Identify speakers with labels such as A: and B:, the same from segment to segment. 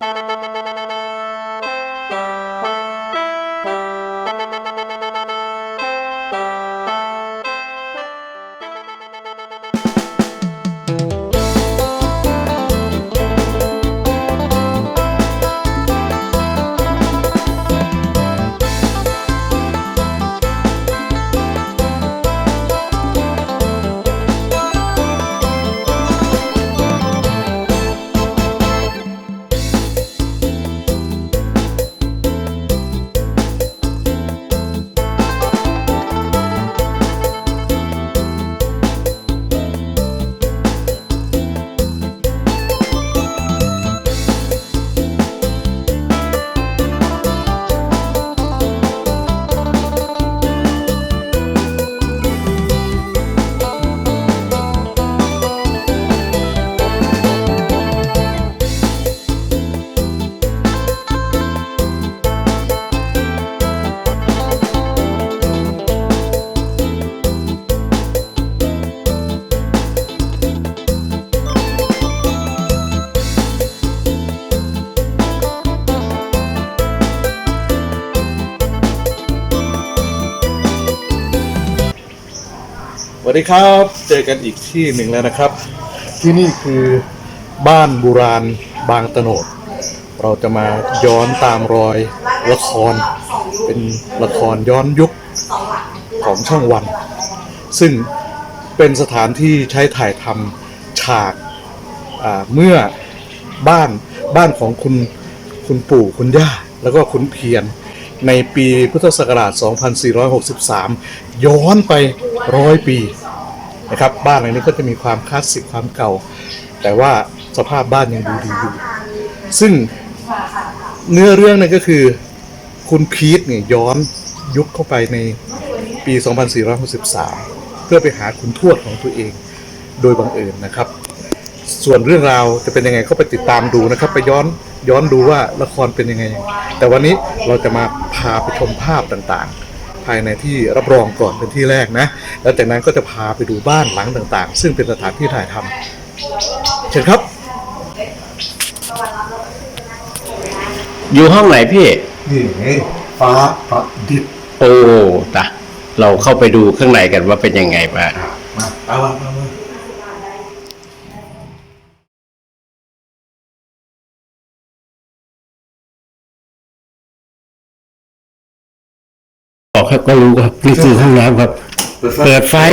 A: สวัสดีครับเจอกันอีกที่หนึ่งแล้วนะครับที่นี่คือบ้านโบราณบางตะโนดเราจะมาย้อนตามรอยละครเป็นละครย้อนยุคของช่องวันซึ่งเป็นสถานที่ใช้ถ่ายทำฉากเมื่อบ้านของคุณปู่คุณย่าแล้วก็คุณเพียรในปีพุทธศักราช 2463 ย้อนไป100 ปีนะครับบ้านหลังนี้ก็จะมีความคลาสสิกความเก่าแต่ว่าสภาพบ้านยังดูดีอยู่ซึ่งเนื้อเรื่องนั่นก็คือคุณพีทเนี่ยย้อนยุคเข้าไปในปี 2463 เพื่อไปหาคุณทวดของตัวเองโดยบังเอิญนะครับส่วนเรื่องราวจะเป็นยังไงก็ไปติดตามดูนะครับไปย้อนดูว่าละครเป็นยังไงแต่วันนี้เราจะมาพาไปชมภาพต่างๆภายในที่รับรองก่อนเป็นที่แรกนะแล้วจากนั้นก็จะพาไปดูบ้านหลังต่างๆซึ่งเป็นสถานที่ถ่ายทำเชิญครับ
B: อยู่ห้องไหนพี่
A: นี่ฟ้าประดิษฐ์
B: โอ้ตะเราเข้าไปดูข้างในกันว่าเป็นยังไงบ้าง
A: มา
B: บอกครับก็รู้ครับนี่คือห้องน้ำครับเปิดไฟ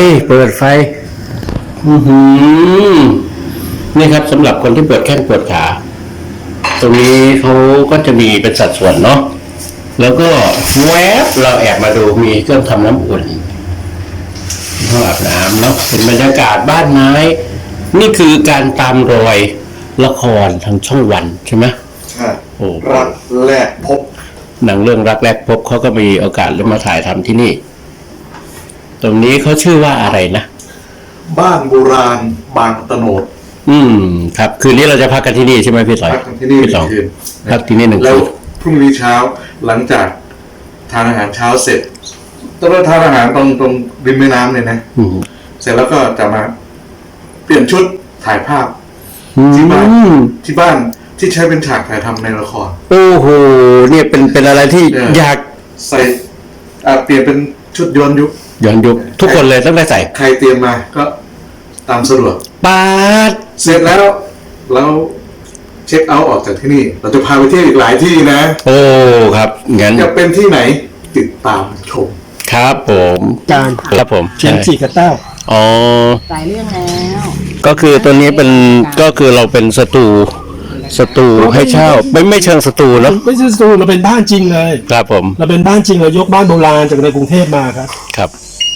B: นี่ครับสำหรับคนที่ปวดแข้งปวดขาตรงนี้เขาก็จะมีเป็นสัดส่วนเนาะแล้วก็แวบเราแอบมาดูมีเครื่องทำน้ำอุ่นห้องอาบน้ำเนาะเป็นบรรยากาศบ้านไม้นี่คือการตามรอยละครทางช่องวันใช่ไหม
A: ใช่โอ้รักแรกพบ
B: หนังเรื่องรักแรกพบเขาก็มีโอกาสได้มาถ่ายทำที่นี่ตรงนี้เขาชื่อว่าอะไรนะ
A: บ้านโบราณบางตะโนด
B: ครับคืนนี้เราจะพักกันที่นี่ใช่ไหมพี่ต่อย
A: พักที่นี่1 คืน
B: พักที่นี่1 คืน
A: แล้วพรุ่งนี้เช้าหลังจากทานอาหารเช้าเสร็จต้องทานอาหารตรงริมแม่น้ำเลยนะเสร็จแล้วก็จะมาเปลี่ยนชุดถ่ายภาพที่บ้านที่ใช้เป็นฉากถ่ายทำในละคร
B: โอ้โหเนี่ยเป็นอะไรที่อยาก
A: ใส่เปลี่ยนเป็นชุดย้อนยุค
B: ทุกคนเลยต้องได้ใส่
A: ใครเตรียมมาก็ตามสะดวก
B: ปาด
A: เสร็จแล้วเช็คเอาท์ออกจากที่นี่เราจะพาไปเที่ยวอีกหลายที่นะ
B: โอ้ครับงั้น
A: จะเป็นที่ไหนติดตามชม
B: ครับผมครับผม
C: เชียงจีกับเต้า
B: อ๋อ
D: หลายเรื่องแล้ว
B: ก็คือตัวนี้เป็นก็คือเราเป็นสตูให้เช่าไม่เชิงสตูเนาะ
C: ไม่ใช่สตูเราเป็นบ้านจริงเลย
B: ครับผม
C: เราเป็นบ้านจริงเรายกบ้านโบราณจากในกรุงเทพมาครับ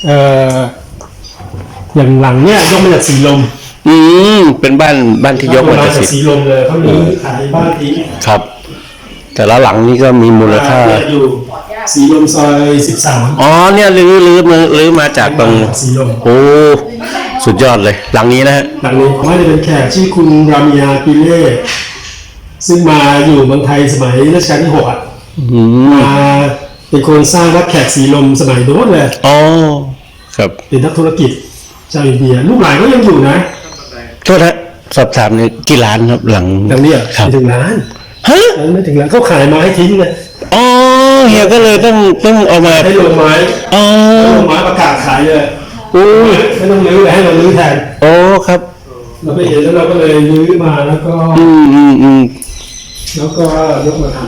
C: อย่างหลังเนี่ยยกมาจากสีลม
B: เป็นบ้านที่ยกมาจาก
C: สีลมเลยเขามีขายบ้านที่
B: ครับแต่ละหลังนี้ก็มีมูลค่า
C: อยู่สีลมซอย13
B: อ๋อเนี่ยลื้อมาจากตรง
C: สีลม
B: โอ้สุดยอดเลยหลังนี้นะฮะ
C: หลังนี้ว่าจะเป็นแขกชื่อคุณรามียาปิเล่ซึ่งมาอยู่เมืองไทยสมัยรัชกาลที่6มาเป็นคนสร้างวัดแขกสีลมสมัยโน้นเลย
B: อ๋อครับ
C: เป็นนักธุรกิจชาวอินเดียลูกหลานก็ยังอยู่นะ
B: โทษนะสอบถามเนี่ยกี่ล้านครับหลัง
C: นี้
B: ครับ
C: ถึงล้าน
B: ฮะ
C: ไม่ถึงแล้วเขาขายไม้ทิ้งเลย
B: อ๋อเฮียก็เลยต้องเอามา
C: ให้ลงไม้
B: อ๋อ
C: ลงไม้ประกาศขายเลย
B: อู้
C: ไม่ต้องรื้อเลยให้เรารื้อแทน
B: โอ้ครับ
C: เราไปเห็นแล้วเราก็เลยรื้อมาแล้วก็ แล้วก็ยกมาท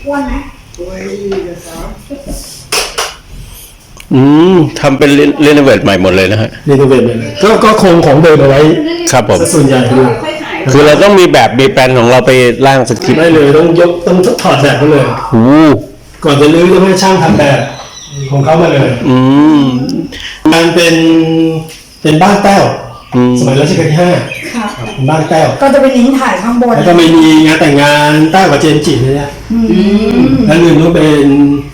B: ทำเป็นเรโนเวทใหม่หมดเลยนะฮะ
C: ำรีโนเวทเลยก็คงของเดิมเอาไว้
B: ครับผม
C: ซะส่วนใหญ่เลย
B: คือเราต้องมีแบบมีแปลนของเราไปร่างสคริปต์
C: ได้เลยต้องถอดแบบเขาเลย
B: โอ้
C: ก่อนจะรื้อต้องให้ช่างทำแบบของเขามาเลย มันเป็นบ้านแต้วสมัยรัชกาลที่ 5เป็นบ้านแต้ว
E: ก็จะเป็นลิงก์ถ่ายข้างบน
C: แล้วก็ไม่มีงานแต่งงานแต้วกับเจมส์จิเนี่ยแล้วลืมว่าเป็น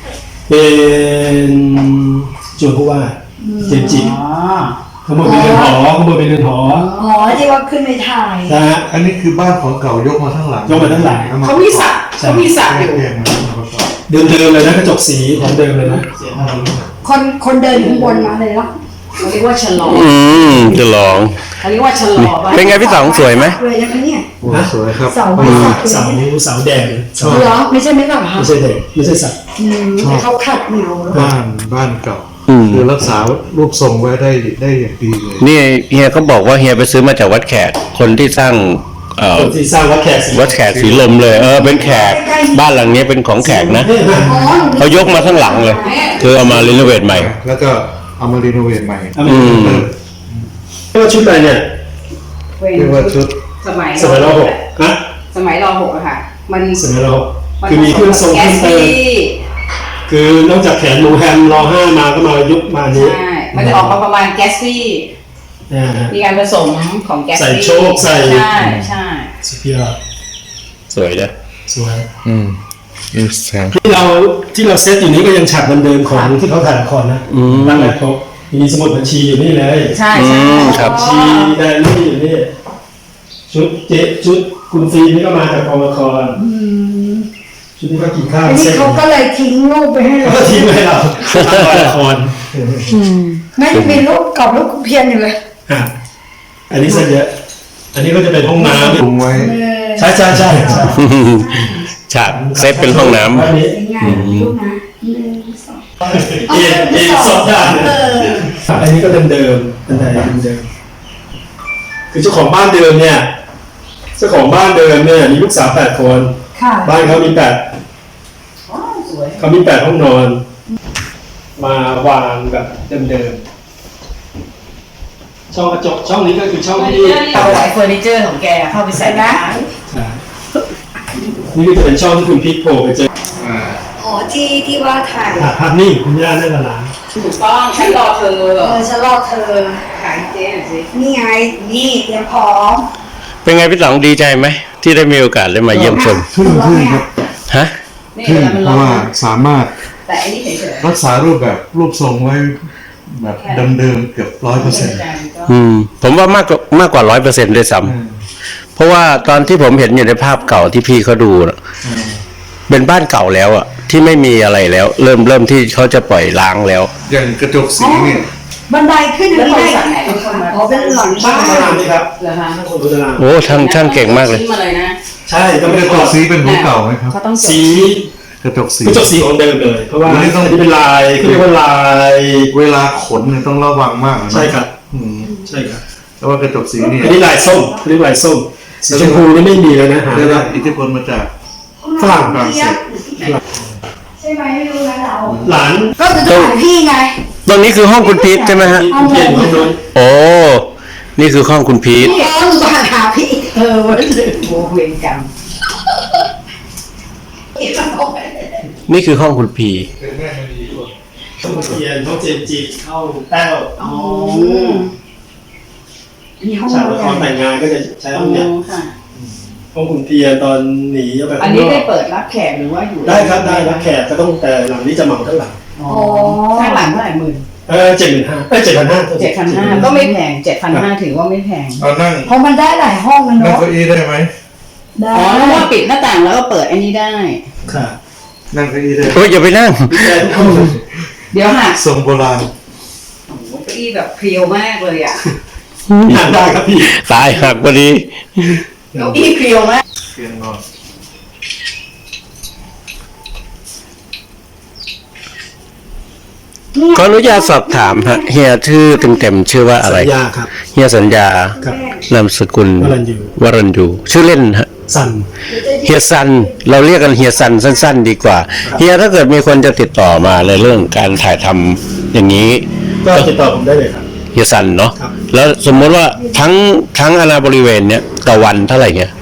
C: จวนผู้ว่าเจมส์จิ
D: อ๋อ
C: ขโมยเป็นเรือนหอขโมยเป็นเรือนหอ
E: อ๋อที่ว่าขึ้นไปถ่าย
C: นะฮะ
A: อันนี้คือบ้านของเก่ายกมาทั้งหลัง
C: ยกมาทั้งหลัง
D: เขามีสระอยู่
A: แยกมาประกอบ
C: เดิมเลยนะกระจกสีของเดิมเลยนะ
E: คนเดินข้างบนมาเลยแล้ว
D: เขาเรียกว่าชะลอ
B: จะลอง
D: เขาเรียกว่าชะลอบ้าน
B: เป็นไงพี่สองสวยไหม
E: เลยนะคะเนี่ย
A: โอ้สวยครับ
E: เสาไม้สัก
C: เสาแดงชอบ
E: เหรอไม่ใช่ไม่หรอคะ
C: ไม่ใช่เด็กไม่ใช่สัตว์
E: แต่เขาขัดเหนียว
A: บ้านเก่าคือรักษารูปทรงไว้ได้อย่างดีเลย
B: นี่เฮียเขาบอกว่าเฮียไปซื้อมาจากวัดแขก คนที่สร้าง
C: คนที่สร้างวัดแขก
B: วัดแขกสีลมเลย เป็นแขกบ้านหลังนี้เป็นของแขกนะ
C: นี่นะ
E: อ๋อ
B: เขายกมาทั้งหลังเลย คือเอามารีโนเวทใหม่
A: แล้วก็เอามารีโนเวทใหม่
C: เรียกว่าชุดอะไรเนี่ย
A: เรียกว่าชุด
D: สมัย
C: สมัยรหกฮะ
D: สมัยรหกอะค่ะ มัน
C: สมัยรหกคือมีเครื่องทรง
D: แก
C: เครื่อง
D: ส
C: เติม
D: ปี้
C: คือนอกจากแขนโมแฮมร5มาก็มายุคมานี้
D: ใช่ มันจะออกมาประมาณแกสปี้
C: นะฮะ
D: มีการผสมของแกส
C: ใส่
D: ปี้
C: โชคใส่
D: ใช่
C: สุดยอด
B: สวยนะ
C: สวย
A: นี่แสง
C: ที่เราเซตอยู่นี้ก็ยังฉากเดิมๆของที่เขาถ่ายละครนะตั้งแต่ครบมีสมุดบัญชีอยู่นี่เลย
D: ใช่ใช่
B: ครับ
C: บัญชีแดนนี่อยู่นี่ชุดคุณฟิล์มนี่ก็มาจากกองละครชุดที่เขากินข้าว
E: อันนี้
C: เสร็จ
E: เขาก็เลยทิ้งรูปไปให้เรา
C: ก็ทิ้งไว้เราทำละคร
E: ไม่มีรูปกับรูปเพียนอยู่เลย
C: อ่ะอันนี้เสร็จเยอะอันนี้ก็จะเป็นห้องน้ำ
A: ปรุงไว้
C: ใช่
B: ฉากเซฟเป็นห้องน้ำ
C: อันนี้
E: เป็นไงรูปนะ1 2
C: เอ็นสดได้อันนี้ก็เดิมๆเป็นไงเดิมๆคือเจ้าของบ้านเดิมเนี่ยเจ้าของบ้านเดิมเนี่ยมีลูกสาว8 คน
E: ค่ะ
C: บ้านเขามี8
D: อ๋อสวย
C: เขามี8 ห้องนอน มาวางแบบเดิมๆช่องกระจกช่องนี้ก็คือช่องที่
D: เอาไว้เฟอร์นิเจอร์ของแกเข้าไปใส่ได้
C: นี่ก็จะเป็นช่องที่คุณพิกโผล่ไปเจอ
E: อ๋อที่ว่าถ่าย
C: ภาพนิ่งคุณย่าได้ละล้าน
D: ถูกต้องฉันรอเธอ
E: ฉันรอเธอ
D: ขายเจ๊หน่อยสิ
E: นี่ไงนี่เตรียมพร้อม
B: เป็นไงพี่สองดีใจไหมที่ได้มีโอกาสได้มาเยี่ยมชม
A: ทึ่งครับ
B: ฮะ
D: นี่
A: ทึ่ง
D: เวลามัน
A: เพ
D: ร้อ
A: ราะว่าน สามารถ
D: แต่อันนี้เฉย
A: รักษารูปทรงไว้แบบเดิมๆเกือบ100%
B: ผมว่ามากกว่า100%ด้วยซ้ำเพราะว่าตอนที่ผมเห็นอยู่ในภาพเก่าที่พี่เขาดูน่ะเป็นบ้านเก่าแล้วอ่ะ ที่ไม่มีอะไรแล้ว เริ่มที่เขาจะปล่อยล้างแล้ว
A: อย่างกระจกสีเนี่ย
E: บันไดขึ้น
D: แล้ว
E: อัน
D: บ
E: นี้
D: ริษัท
E: ได้
D: ไหนเป็นคนมา
E: อ๋อเป็นหลัง
C: ช่าง
E: บ้าน
C: ตารางนี่ครับ
D: เหรอคะ
C: ช่างคนดูตาราง
B: โอ้ช่างเก่งมากเลย
D: ซื้อมาเลยนะ
C: ใช่ก็
A: ก
C: ไม่
A: ระ
C: ได้
A: จ
C: ถอก ด
A: สีเป็นหัวเก่าไหมครับ
D: เขาต้องจด
C: สี
A: กระจกสี
C: กระจกสีของเดิมเลยเพราะว่า
A: อันนี้ต้อง
C: อันนี้เป็นลายเขาเรียกว่าลาย
A: เวลาขนเนี่ยต้องระวังมากนะ
C: ใช่ครับ
A: อืม
C: ใช่ครับ
A: แต่ว่ากระจกสีเนี่ย
C: อันนี้ลายส้มเรียกลายส้มสีชมพูนี่ไม่มีแล้วนะหา
A: ได้
C: ไม่
A: รั
C: ได้
A: บอิทธิพลมาจาก
C: ฝรั่ง
A: ฝรั่งเศส
E: ใช่ไหมไม่รู้นะเรา
C: หลาน
E: ก็จะถ่ายพี่ไง
B: ตรงนี้คือห้องคุณพีทใช่ไหมฮะ
C: ที่เปลี่ยนห้องนอน
B: โอ้นี่คือห้องคุณพีท
E: นี่หนูต้องหาพี่
D: วันเลยโบเวรกรรม
B: นี่คือห้องคุณพี
C: ห้องเทียนห้องเจมส์จิเข้าแต้ว
D: อ๋อ
E: มีห้อง
C: ฉาก
E: นอ
C: ละ
E: น
C: ครแต่งงานก็จะใช้ห้องเนี้ย
D: ค่ะ
C: ห้องคุณเทียนตอนหนีออกไป
D: อัน
C: ข้างน
D: นี้
C: อก
D: ได้เปิดรับแขกหรือว่าอยู่
C: ได้ครับได้รับแขกก็ต้องแต่หลังนี้จะเหมาทั้งหลัง
D: อ๋อข้างหลังเท่าไหร่หมื่น
C: 75,000 7,500
D: 7,500ก็ไม่แพง7,500ถือว่าไม่แพง
A: เอานั่ง
E: เพราะมันได้หลายห้องนะ
A: นั่ง
E: เนาะ
A: เก้าอี้ได้ไหม
E: ได้
D: อ๋อเพราะว่าปิดหน้าต่างแล้วก็เปิดอันนี้ได้
C: ค่ะ
A: นั่งเก้าอี้ได้
B: โอ้ยอย่าไปนั่ง
C: แต่ทุกคน
D: เดี๋ยวหัก
A: ทรงโบราณ
D: เก้าอี้แบบเพรียวมากเลยอ่ะ
C: อยากได้ครับพี่
B: ตายหักพอดี
D: เก้าอี้เพรียวมาก
A: เตียงนอน
B: ขออนุญาตสอบถามฮะเฮียชื่อเต็มๆชื่อว่าอะไร
C: สัญญาครับ
B: เฮียสัญญา
C: ครับ
B: นามสกุล
C: วรัญญู
B: ชื่อเล่นฮะ
C: สัน
B: เฮียซันเราเรียกกันเฮียซันสั้น ๆ ดีกว่าเฮียถ้าเกิดมีคนจะติดต่อมาในเรื่องการถ่ายทำอย่างนี้
C: ก็ติดต่อผมได้เลยครับ
B: เฮียซันเนาะ
C: ครับ
B: แล้วสมมติว่าทั้งอาณาบริเวณเนี้ยต่อวันเท่าไหร่เนี่ย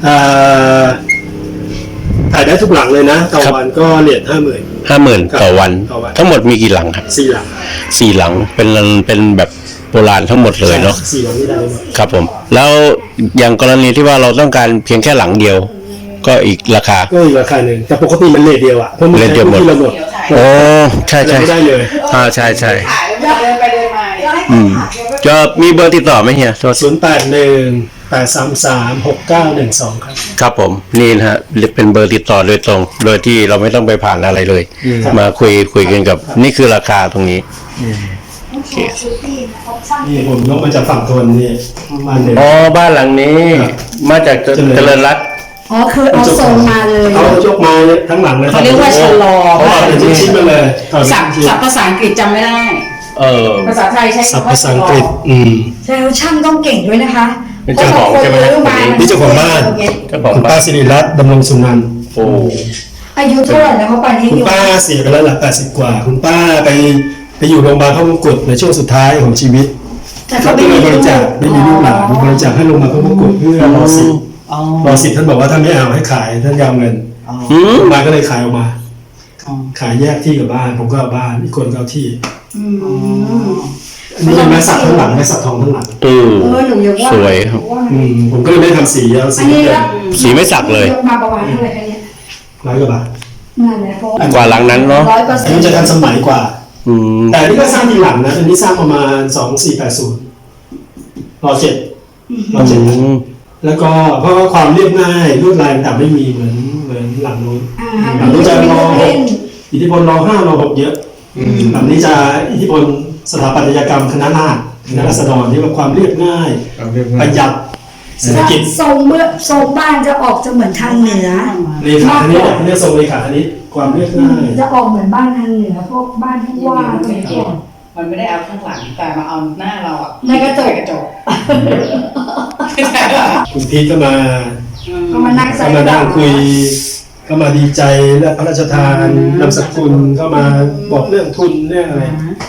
C: ถ่ายได้ทุกหลังเลยนะต่อวันก็เหรียญ
B: 50,000ต่อวัน
C: ต่อวัน
B: ทั้งหมดมีกี่หลังครับ
C: 4 หลัง
B: 4 หลังเป็นแบบโบราณทั้งหมดเลยเนาะ
C: 4 หลังนี่ได้หมด
B: ครับผมแล้วอย่างกรณีที่ว่าเราต้องการเพียงแค่หลังเดียว ก็อีกราคา
C: ก็อีกราคาหนึ่งแต่ปกติมันเลทเดียวอ่ะเพราะมัน
B: เลทเดียวหมด
C: ที่เราหมด
B: โอ้ใช่
C: เราไม่ได้เลย
B: ใช่
D: ถ่ายแล้วเดินไปเดินมา
B: จะมีเบอร์ติดต่อไหมเฮียโทษ
C: 0818336912 ครับ
B: ครับผมนี่นะฮะเป็นเบอร์ติดต่อโดยตรง โดยที่เราไม่ต้องไปผ่านอะไรเลย
C: ครับ
B: มาคุยกันกับนี่คือราคาตรงนี้โอเค
C: นี่ผมยกมาจากฝั่งทนนี่บ้านเดิม
B: อ๋อบ้านหลังนี้
C: ครับ
B: มาจากเจริญรัตน์
E: อ๋อคือเอาทรงมาเลย
C: เขายกมาทั้งหลังเลย
D: เขาเรียกว่าชะลอ
C: เขาเอาเป็นชิ้นๆมาเลยเอาเป็น
D: ศัพท์
C: ชิ้น
D: ภาษาอังกฤษจำไม่ได้ ภาษาไทยใช้
C: ๆศัพท์
D: คำว่า
C: ภาษาอังกฤษ
E: แสดงว่าช่างต้องเก่งด้วยนะคะ
B: เป็นเจ้าของใช่ไหม
E: เพราะบางคน
C: นี่เจ้าของบ้าน
B: เจ้าของ
C: คุณ
B: บ้า
C: ป้าน สิริรัตน์ดำรงสุนันท์
B: โอ้
E: อายุเท่าไหร่แล้วเขาไปนี่
C: คุณ
E: อยู่
C: ป้าเสียไปแล้วหลัก80 กว่า คุณป้าไปอยู่โรงพยาบาลพระมงกุฎในช่วงสุดท้ายของชีวิต
E: แต่
C: เขา
E: เขา
C: ก็
E: ไม่
C: เลย
E: มี
C: บริจาคไม่มีลูกหลานบริจาคให้โรงพยาบาลพระมงกุฎเพื่อรอสิทธิ์
D: อ๋อ
C: รอสิทธิ์ท่านบอกว่าท่านไม่เอาให้ขายท่านยาวเงิน
B: อืม
C: โรงพยาบาลก็เลยขายออกมา ขายแยกที่กับบ้าน ผมก็เอาบ้านอีกคนก็เอาที่ อันนี้เป็นไม้สักทั้งหลังไม้สักทองทั้งหลัง
E: หนูยกว่า
B: สวยครับ
C: ผมก็เลยไม่ได้ทำสีเอาสี
E: อันนี้
C: เดิ
E: ละ
C: ม
B: สีไม่สักเลย
E: ยกมาประมาณเท่าไหร่คะเนี่ย
C: 100 กว่าบาท
E: นั่นแหละเพราะ
B: กว่าหลังนั้นเนาะ
C: อันนี้จะทันสมัยกว่า
B: อืม
C: แต่อันนี้ก็สร้างทีหลังนะ อันนี้สร้างประมาณ 2480รอ7 แล้วก็เพราะว่าความเรียบง่ายลวดลายต่างๆไม่มีเหมือนหลังนู้นหลังนู้นจะรอ6อิทธิพลรอ5รอ6เยอะหลังนี้จะอิทธิพลสถาปัตยกรรมคณะราษฎรคณะราษฎรที่ว่าความเรียบง่ายประหยัดเศรษฐกิจ
E: ทรงบ้านจะออกจะเหมือนทางเหนือ
C: เลขาคณิตเรียกทรงเลขาคณิตความเรียบง่าย
E: จะออกเหมือนบ้านทางเหนือพวกบ้านผู้ว่าอะไรอย่างเงี้ย
D: มันไม่ได้เอาข้างหลังแต่มาเอาหน้าเราอ่ะ
E: ในกระจก
D: กระจก
C: คุณพีทก็มา
E: ก็มานั่งใส่
C: ก็มานั่งคุยก็มาดีใจและพระราชทานนามสกุลก็มาบอกเรื่องทุนเรื่องอะไร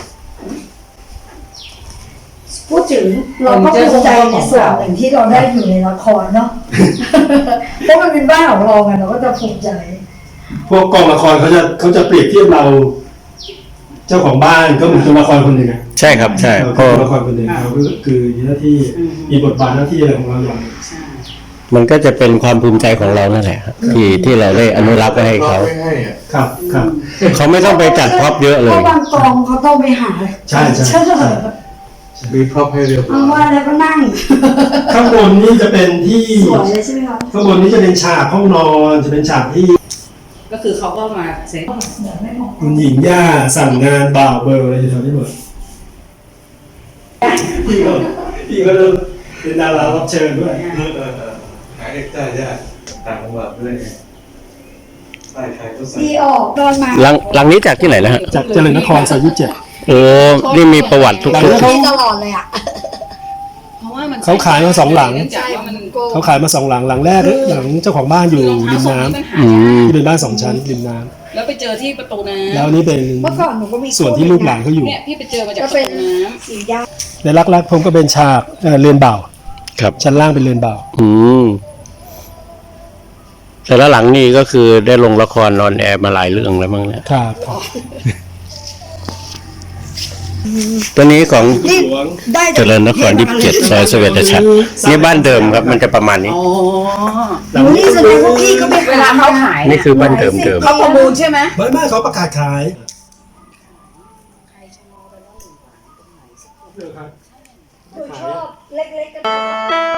E: พูดถึงเราก็ภูมิใจในส่วนหนึ่งที่เราได้อยู่ในละครเนาะ เพราะมันเป็นบ้านของเราไงเราก็จะภูมิใจ
C: พวกกองละครเขาจะเปรียบเทียบเรา เจ้าของบ้านก็เหมือนตัวละครคนหนึ่งอะ
B: ใช่ครับใช่
C: เรา
B: เพราะ
C: ตัวละครคนหนึ่งเราก็คือมีหน้าที่มีบทบาทหน้าที่อะไรของเราอย่าง
B: มันก็จะเป็นความภูมิใจของเรานั่นแหละครับที่เราได้อนุรักษ์ไว้ให้เขา
C: ครับครับ
B: เขาไม่ต้องไปจัดพร็อพเยอะเล
E: เพ
B: ย
E: ราะบางกองเขาต้องไปหา
C: ใช่ใช่
A: มีครอบให้เรียบร้
E: เอา
A: อย
E: ว่าแล้วก็นั่ง
C: ข้างบนนี่จะเป็นที่
E: สวยเลยใช่ไหมคะ
C: ข้างบนนี้จะเป็นฉากห้องนอนจะเป็นฉากที่
D: ก็คือเขาก็มาเซ็ต
C: คุณหญิงย่าสั่งงานบ่าวเบอร์อะไรอยู่แถวนี้หมดพี่ก็เป็นดารารับเชิญด้วย
A: หาเด็กได้ยากต่างจังหวัดด้วยไงใช่ใครก็ใส่
E: ดีออกตอนมา
B: หลังนี้จากที่ไหนนะฮะ
C: จากเจริญนครซอย27
B: โอ้นี่มีประวัติทุก
C: หลัง
B: ๆ
C: นี้
E: ดีตลอดเลยอ่ะ
D: เพราะว่ามัน
C: เขาขายมา2 หลัง
D: ใช่มัน
C: เขาขายมา2 หลังหลังแรกหลังเจ้าของบ้านอยู่ริมน้ำ
B: อืม
C: ที่เป็นบ้าน2 ชั้นริมน้ำ
D: แล้วไปเจอที่ประตูน้ำ
C: แล้วนี่เป็น
E: เมื่อก่อนหนูก็มี
C: ส่วนที่ลูกหลานเขาอยู่
D: เนี่ยพี่ไปเจอมาจาก
E: ก็
D: ประ
E: เป็น
D: ตูน้
E: สีย่า
C: ในรักๆผมก็เป็นฉากเรือนบ่าว
B: ครับ
C: ชั้นล่างเป็นเรือนบ่าว
B: อืมแต่ละหลังนี่ก็คือได้ลงละครนอนแอร์มาหลายเรื่องแล้วมั้งเนี่ย
C: ครับ
B: ตัวนี้ของ
E: นี่ได้
B: เจริญนคร27ซอยเสวตฉัตรนี่บ้านเดิมครับ มันจะประมาณ
D: ำ
B: นี้
D: อ๋อ
E: หนูนี่แสดงว่าพี่ก็ไป
D: เวลาเขาขาย
B: นี่คือบ้านเดิม
D: เขาประมูลใช่ไหม
C: ไม่เขาประกาศขาย
E: หนูชอบเล็กๆกัน